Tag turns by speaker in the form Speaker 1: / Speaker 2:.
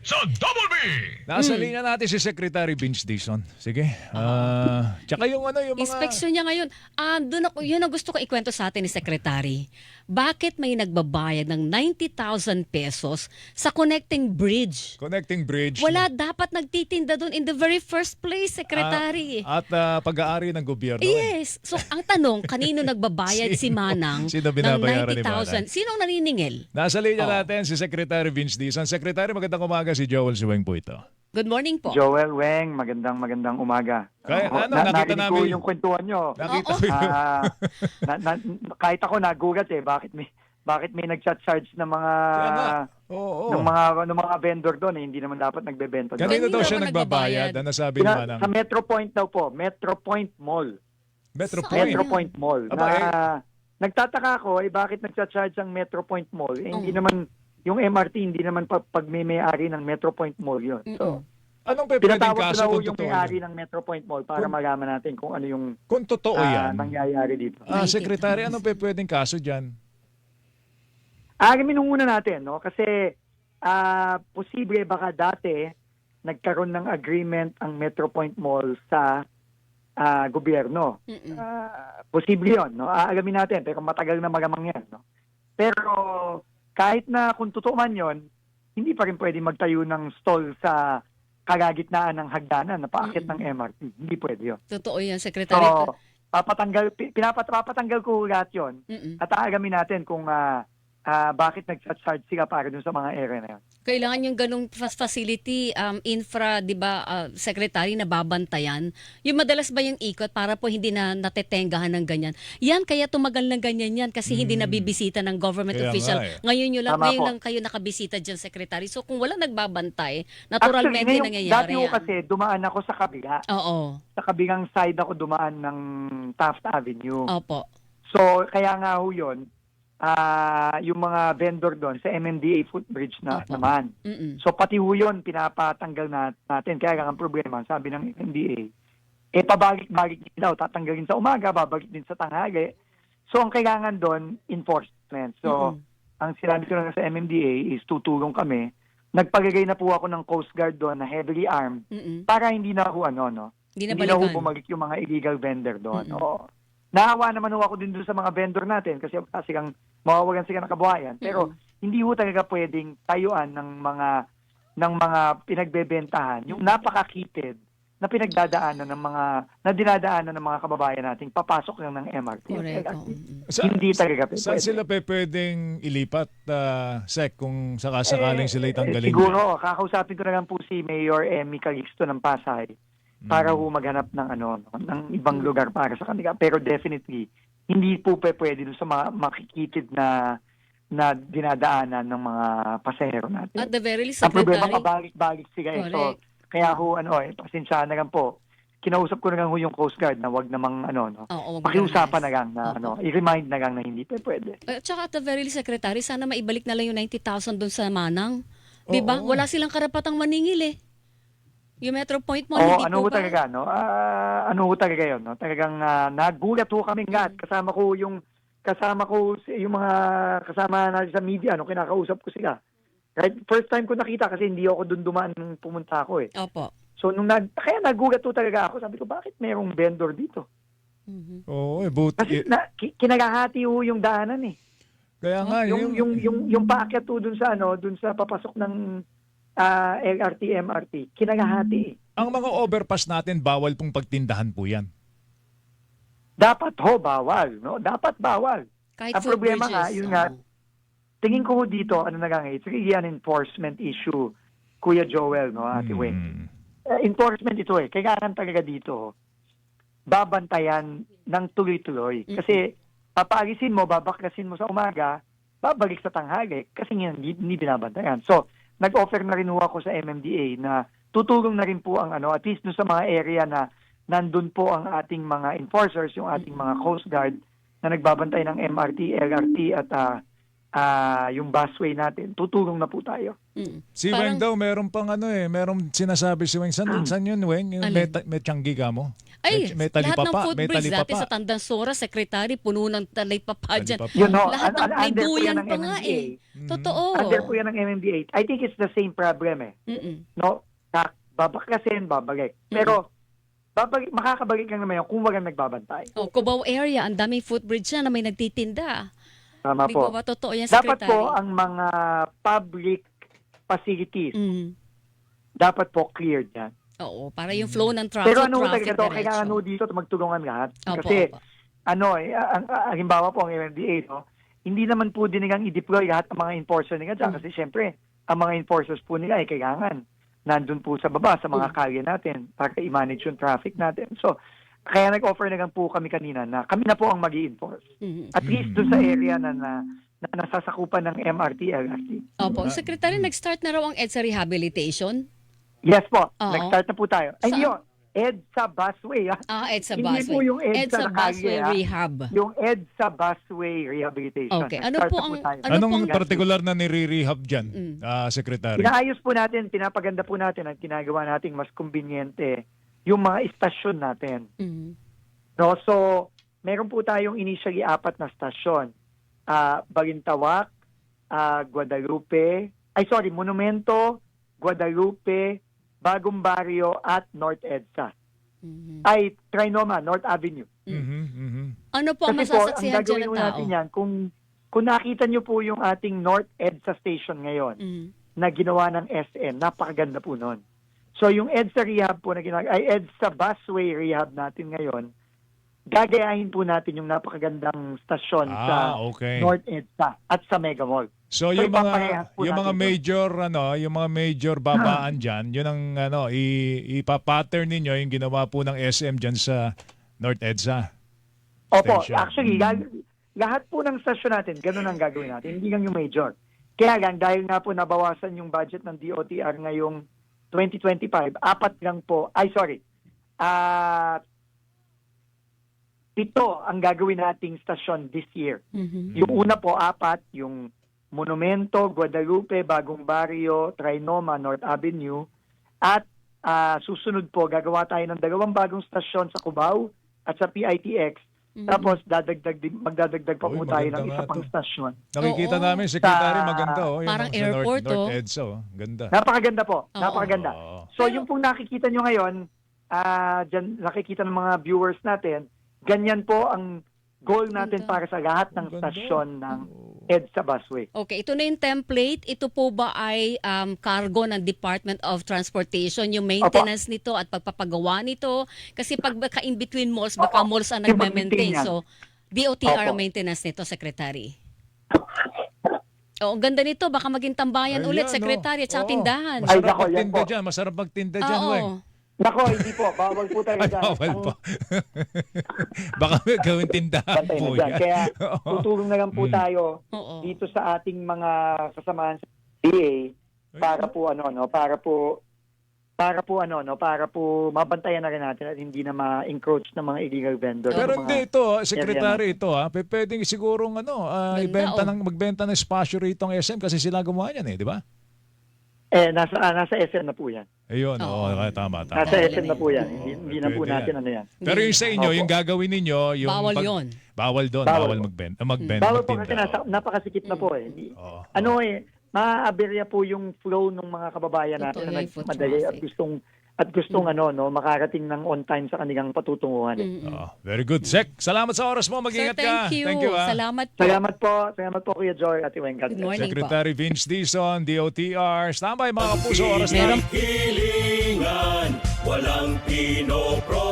Speaker 1: sa Double B!
Speaker 2: Nasa linya natin si Secretary Vince Dizon. Sige. Tsaka yung ano, yung mga...
Speaker 3: Inspeksyon niya ngayon. Doon ako, yun ang gusto ko ikwento sa atin ni Secretary. Bakit may nagbabayad ng 90,000 pesos sa connecting bridge?
Speaker 2: Connecting bridge.
Speaker 3: Wala dapat nagtitinda doon in the very first place, Secretary.
Speaker 2: At pag-aari ng gobyerno.
Speaker 3: Yes. So, ang tanong, kanino nagbabayad si Manang
Speaker 2: Sino
Speaker 3: ng
Speaker 2: binabayaran ni Manang?
Speaker 3: 90,000? Sinong naniningil?
Speaker 2: Nasa linya natin si Secretary Vince Dizon. Secretary, magandang umaga, si Joel Siweng po ito.
Speaker 3: Good morning po.
Speaker 4: Joel Weng, magandang umaga.
Speaker 2: Kaya, nakita
Speaker 4: narinig
Speaker 2: namin.
Speaker 4: ko yung kwentuhan nyo.
Speaker 2: Nakita
Speaker 3: Oo.
Speaker 2: ko yun.
Speaker 4: Kahit ako nagugat bakit may nag-charge ng mga
Speaker 2: Kaya nga. Oo.
Speaker 4: ng mga vendor doon hindi naman dapat nagbebenta doon.
Speaker 2: Kanino daw
Speaker 3: Kanino
Speaker 2: siya
Speaker 3: ba
Speaker 2: nagbabayad?
Speaker 3: nagbabayad?
Speaker 2: Ano sabi ni Manang?
Speaker 4: Sa Metro Point daw po, Metro Point Mall.
Speaker 2: Metro
Speaker 3: Saan?
Speaker 2: Point.
Speaker 4: Metro Point Mall.
Speaker 2: Aba,
Speaker 4: Nagtataka ako bakit nag-charge ang Metro Point Mall? Hindi
Speaker 3: Oo.
Speaker 4: naman yung MRT hindi naman pagmimay-ari ng Metro Point Mall 'yun. So,
Speaker 2: Anong pwedeng
Speaker 4: pinatawag ko
Speaker 2: kaso
Speaker 4: na
Speaker 2: kung
Speaker 4: yung
Speaker 2: totoo
Speaker 4: may-ari
Speaker 2: yun?
Speaker 4: ng Metro Point Mall para malaman natin kung ano yung
Speaker 2: Kung totoo yan.
Speaker 4: nangyayari dito.
Speaker 2: Secretary, anong pwedeng kaso dyan?
Speaker 4: Alamin muna natin, no? Kasi posible baka dati nagkaroon ng agreement ang Metro Point Mall sa gobyerno. Posible 'yon, no? Alamin natin, pero matagal na magamang 'yan, no? Pero kahit na kung totoo man 'yon, hindi pa rin pwede magtayo ng stall sa kalagitnaan ng hagdanan na paakit ng MRT. Hindi pwede 'yon.
Speaker 3: Totoo yan, Secretary.
Speaker 4: So, papatanggal ko lahat 'yon.
Speaker 3: Mm-mm.
Speaker 4: At aalamin natin kung bakit nag-charge sila para dun sa mga area na yun.
Speaker 3: Kailangan yung ganong facility, infra, di ba, secretary, na babantayan. Yung madalas ba yung ikot para po hindi na natetengahan ng ganyan? Yan, kaya tumagal ng ganyan yan kasi hindi nabibisita ng government
Speaker 2: Kaya
Speaker 3: official.
Speaker 2: nga eh.
Speaker 3: Ngayon
Speaker 4: Tama po.
Speaker 3: lang kayo nakabisita dyan, secretary. So kung wala nagbabantay, naturalmente
Speaker 4: Actually,
Speaker 3: nangyayari
Speaker 4: dati ko
Speaker 3: yan.
Speaker 4: kasi dumaan ako sa kabila.
Speaker 3: Oo.
Speaker 4: Sa kabilang side ako dumaan ng Taft Avenue.
Speaker 3: Opo.
Speaker 4: So, kaya nga ho yun, yung mga vendor doon sa MMDA footbridge na
Speaker 3: Opo.
Speaker 4: naman.
Speaker 3: Mm-mm.
Speaker 4: So, pati ho yun, pinapatanggal natin. Kaya nga ang problema, sabi ng MMDA, pabalik-balik din daw, tatanggalin sa umaga, babalik din sa tanghali. So, ang kailangan doon, enforcement. So, ang sinabi ko lang sa MMDA is tutulong kami. Nagpalagay na po ako ng Coast Guard doon na heavily armed
Speaker 3: Mm-mm.
Speaker 4: para hindi na ho
Speaker 3: Hindi na
Speaker 4: hindi na ho
Speaker 3: balikan.
Speaker 4: bumalik yung mga illegal vendor doon.
Speaker 3: Mm-mm.
Speaker 4: Oo. Naawa naman ho ako din doon sa mga vendor natin kasi kang mawawagan sila ng kabuhayan. Pero hindi ho talaga pwedeng tayuan ng mga pinagbebentahan yung napakakitid na pinagdadaanan ng mga na dinadaanan ng mga kababayan nating papasok lang ng MRT.
Speaker 3: Correct.
Speaker 4: Hindi talaga
Speaker 2: Saan
Speaker 4: pwede.
Speaker 2: sila pwedeng ilipat, Sec, kung sakasakaling sila itanggalin?
Speaker 4: Siguro, kakausapin ko na lang po si Mayor Emmy Calixto ng Pasay para ho maghanap ng ng ibang lugar para sa kanila. Pero definitely, hindi po pwede dun sa mga makikitid na dinadaanan ng mga pasahero natin.
Speaker 3: At the very least,
Speaker 4: Ang problema,
Speaker 3: secretary.
Speaker 4: pabalik-balik sila eh. So,
Speaker 3: Correct.
Speaker 4: kaya ho, pasensyahan na lang po. Kinausap ko na lang ho yung Coast Guard na wag namang
Speaker 3: Oo,
Speaker 4: pakiusapan na
Speaker 3: mag-alas.
Speaker 4: lang na
Speaker 3: Oo.
Speaker 4: i-remind na lang na hindi pwede.
Speaker 3: At saka at the very least, secretary, sana maibalik na lang yung 90,000 doon sa Manang. Di ba?
Speaker 2: Oo.
Speaker 3: Wala silang karapatang maningil eh. Yung Metro Point Mall,
Speaker 4: Oo,
Speaker 3: hindi
Speaker 4: ano ho
Speaker 3: po ba?
Speaker 4: talaga, no? Ano ho talaga yun, no? Talagang nagulat ho kaming lahat. Kasama ko yung mga kasama natin sa media, kinakausap ko sila. Right? First time ko nakita kasi hindi ako doon dumaan nung pumunta ako eh.
Speaker 3: Opo.
Speaker 4: So kaya nagulat ho talaga ako. Sabi ko, bakit merong vendor dito?
Speaker 3: Mhm.
Speaker 2: Oo,
Speaker 4: Kasi kinagahati ho yung daanan eh.
Speaker 2: kaya nga,
Speaker 4: Yung paakyat ho dun sa papasok ng LRT, MRT, kinagahati eh.
Speaker 2: ang mga overpass natin, bawal pong pagtindahan po yan.
Speaker 4: Dapat ho, bawal, no? Dapat bawal.
Speaker 3: Kahit
Speaker 4: Ang problema
Speaker 3: footbridges.
Speaker 4: nga, yun nga,
Speaker 3: Oo.
Speaker 4: tingin ko ho dito, it's really an enforcement issue, Kuya Joel, no, Ate Weng. Enforcement ito eh. Kailangan talaga dito, babantayan ng tuloy-tuloy. Kasi papaalisin mo, babaklasin mo sa umaga, babalik sa tanghali kasi hindi binabantayan. So, nag-offer na rin ho ako sa MMDA na tutulong na rin po ang at least dun sa mga area na nandun po ang ating mga enforcers, yung ating mga Coast Guard na nagbabantay ng MRT, LRT at yung busway natin, tutulong na po tayo.
Speaker 2: Si
Speaker 3: Parang-
Speaker 2: Weng daw, meron pang meron sinasabi si Weng. San yun, Weng? Yung
Speaker 3: Alin?
Speaker 2: may tiyanggi ka mo?
Speaker 3: Ay,
Speaker 2: may
Speaker 3: lahat ng
Speaker 2: talipapa, may
Speaker 3: footbridge dati
Speaker 2: talipapa.
Speaker 3: sa Tandansora, secretary, puno ng talipapa dyan.
Speaker 2: Talipapa.
Speaker 4: Yun, no,
Speaker 3: Lahat ng may
Speaker 4: under po
Speaker 3: duyan
Speaker 4: yan ng
Speaker 3: pa nga
Speaker 4: MMDA.
Speaker 3: Totoo.
Speaker 4: Under po yan ng MMDA. I think it's the same problem eh.
Speaker 3: Mm-mm.
Speaker 4: No? Babaklasin, babalik. Pero, makakabalik lang naman yun kung walang nagbabantay.
Speaker 3: Oh, Cubao area, ang daming footbridge na may nagtitinda.
Speaker 4: Tama
Speaker 3: Di
Speaker 4: po.
Speaker 3: ba totoo yan,
Speaker 4: Dapat
Speaker 3: secretary?
Speaker 4: po ang mga public facilities,
Speaker 3: Mm.
Speaker 4: dapat po cleared yan.
Speaker 3: Oo, para yung flow ng traffic,
Speaker 4: Pero ano
Speaker 3: traffic
Speaker 4: talaga to, kailangan
Speaker 3: diretso.
Speaker 4: dito magtulungan lahat.
Speaker 3: Opo,
Speaker 4: Kasi,
Speaker 3: opo.
Speaker 4: halimbawa po ang MMDA, no, hindi naman po din nilang i-deploy lahat ng mga enforcer nila dyan. Kasi syempre, ang mga enforcers po nila ay kailangan nandun po sa baba, sa mga kalye natin para i-manage yung traffic natin. So, kaya nag-offer na lang po kami kanina na kami na po ang mag-i-enforce.
Speaker 3: Mhm.
Speaker 4: At least doon sa area na nasasakupan ng MRT, LRT.
Speaker 3: Opo, secretary, nag-start na raw ang EDSA rehabilitation.
Speaker 4: Yes po,
Speaker 3: Oo.
Speaker 4: nag-start na po tayo. Ay,
Speaker 3: Saan?
Speaker 4: yun, EDSA busway.
Speaker 3: EDSA
Speaker 4: Hindi
Speaker 3: busway.
Speaker 4: po yung EDSA na kalye,
Speaker 3: busway
Speaker 4: ha?
Speaker 3: rehab.
Speaker 4: Yung EDSA busway rehabilitation.
Speaker 3: Okay, ano
Speaker 4: Nag-start
Speaker 3: po
Speaker 4: na
Speaker 3: ang-
Speaker 4: tayo.
Speaker 3: ano
Speaker 2: Anong
Speaker 3: pong-
Speaker 2: particular na nire-rehab dyan, Secretary?
Speaker 4: Inaayos po natin, pinapaganda po natin at ginagawa nating mas kumbinyente yung mga istasyon natin.
Speaker 3: Mhm.
Speaker 4: No, so meron po tayong initially 4 na stasyon. Balintawak, Monumento, Guadalupe, Bagong Barrio at North EDSA.
Speaker 3: Mhm.
Speaker 4: Ay, Trinoma, North Avenue.
Speaker 2: Mhm, mhm.
Speaker 3: Ano po ang
Speaker 4: Kasi po, ang
Speaker 3: masasaksihan dyan
Speaker 4: gagawin
Speaker 3: ng
Speaker 4: po
Speaker 3: tao?
Speaker 4: natin yan, kung nakita nyo po yung ating North EDSA station ngayon,
Speaker 3: Mhm.
Speaker 4: na ginawa ng SM, napakaganda po nun. So yung EDSA rehab po na EDSA busway rehab natin ngayon, gagayahin po natin yung napakagandang stasyon sa
Speaker 2: Okay.
Speaker 4: North EDSA at sa Mega Mall.
Speaker 2: So
Speaker 4: So,
Speaker 2: yung
Speaker 4: ipaparehas po
Speaker 2: mga
Speaker 4: natin
Speaker 2: major yung mga major babaan diyan, yun ang ipa-pattern ninyo yung ginawa po ng SM diyan sa North EDSA.
Speaker 4: Opo,
Speaker 2: Station.
Speaker 4: actually, lahat po ng stasyon natin, ganun ang gagawin natin, hindi lang yung major. Kaya lang, dahil nga po nabawasan yung budget ng DOTR ngayong 2025, 7 ang gagawin nating stasyon this year.
Speaker 3: Mhm.
Speaker 4: Yung una po, 4, yung Monumento, Guadalupe, Bagong Barrio, Trinoma, North Avenue. At susunod po, gagawa tayo ng 2 bagong stasyon sa Cubao at sa PITX. Tapos magdadagdag pa
Speaker 2: Uy,
Speaker 4: po tayo ng
Speaker 2: maganda
Speaker 4: isa
Speaker 2: nga
Speaker 4: pang
Speaker 2: to.
Speaker 4: stasyon.
Speaker 2: Nakikita
Speaker 3: Oo.
Speaker 2: namin, Secretary,
Speaker 4: Sa-
Speaker 2: maganda. Yung
Speaker 3: Parang
Speaker 2: sa
Speaker 3: airport,
Speaker 2: North EDSA. Ganda.
Speaker 4: Napakaganda po, napakaganda.
Speaker 2: Oo.
Speaker 4: So
Speaker 3: Pero-
Speaker 4: yung pong nakikita nyo ngayon, dyan nakikita ng mga viewers natin, ganyan po ang goal natin
Speaker 3: Ganda.
Speaker 4: para sa lahat ng
Speaker 2: Ganda.
Speaker 4: stasyon ng EDSA busway.
Speaker 3: Okay, ito na yung template. Ito po ba ay cargo ng Department of Transportation, yung maintenance nito at pagpapagawa nito? Kasi pag baka in between malls, baka
Speaker 4: Opo.
Speaker 3: malls ang
Speaker 4: Yung
Speaker 3: nagme-maintain.
Speaker 4: mag-maintain
Speaker 3: So, DOTR ang
Speaker 4: Opo.
Speaker 3: maintenance nito, Secretary. Oh, ang ganda nito. Baka maging tambayan
Speaker 2: Ayan,
Speaker 3: ulit, Secretary, at sa
Speaker 2: oo.
Speaker 3: tindahan.
Speaker 4: Ay,
Speaker 2: Masarap
Speaker 4: nako, yan
Speaker 2: magtinda
Speaker 4: po.
Speaker 2: dyan. Masarap magtinda dyan, Weng.
Speaker 3: Oo.
Speaker 4: Nako, hindi po, bawal po tayo
Speaker 2: Ay,
Speaker 4: dyan.
Speaker 2: bawal
Speaker 4: Ang
Speaker 2: po. Baka may gawin tindahan
Speaker 4: bantay
Speaker 2: po
Speaker 4: na dyan.
Speaker 2: yan.
Speaker 4: Kaya
Speaker 2: Oo.
Speaker 4: tutulong na lang po tayo
Speaker 3: Oo.
Speaker 4: dito sa ating mga kasamahan sa DA para po para po mabantayan na rin natin at hindi na ma-encroach ng mga illegal vendors.
Speaker 2: Pero
Speaker 4: Mga-
Speaker 2: hindi ito, Secretary, ito pwedeng sigurong magbenta ng espasyo rito ang SM kasi sila gumawa yan di ba?
Speaker 4: Nasa SM na po yan.
Speaker 2: Ayun,
Speaker 3: Oo.
Speaker 2: tama.
Speaker 4: Nasa
Speaker 3: Tama.
Speaker 4: SM na po yan. Hindi na po
Speaker 2: Pwede
Speaker 4: natin
Speaker 2: yan.
Speaker 4: ano yan.
Speaker 2: Pero yung sa inyo,
Speaker 4: Opo.
Speaker 2: yung gagawin ninyo, yung
Speaker 3: Bawal yun.
Speaker 2: Bawal doon,
Speaker 4: Bawal
Speaker 2: bawal
Speaker 4: po.
Speaker 2: magbenta.
Speaker 4: Bawal po kasi
Speaker 2: magtinda.
Speaker 4: napakasikip na po eh.
Speaker 2: Oo.
Speaker 4: Maaaberya po yung flow ng mga kababayan natin
Speaker 3: Totoo,
Speaker 4: na
Speaker 3: yung foot
Speaker 4: nagmadali
Speaker 3: traffic.
Speaker 4: at gustong makarating ng on time sa kanilang patutunguhan.
Speaker 2: Very good. Sec, salamat sa oras mo.
Speaker 3: Sir,
Speaker 2: Mag-ingat ka.
Speaker 3: thank you.
Speaker 2: Salamat.
Speaker 3: Salamat po.
Speaker 4: Salamat po Kuya Joy at Iweng. God
Speaker 3: Good
Speaker 4: bless.
Speaker 3: morning po.
Speaker 2: Secretary Vince Dizon, DOTR. Standby mga kapuso, oras na.
Speaker 3: Meron
Speaker 1: Hilingan, walang pinoproblema.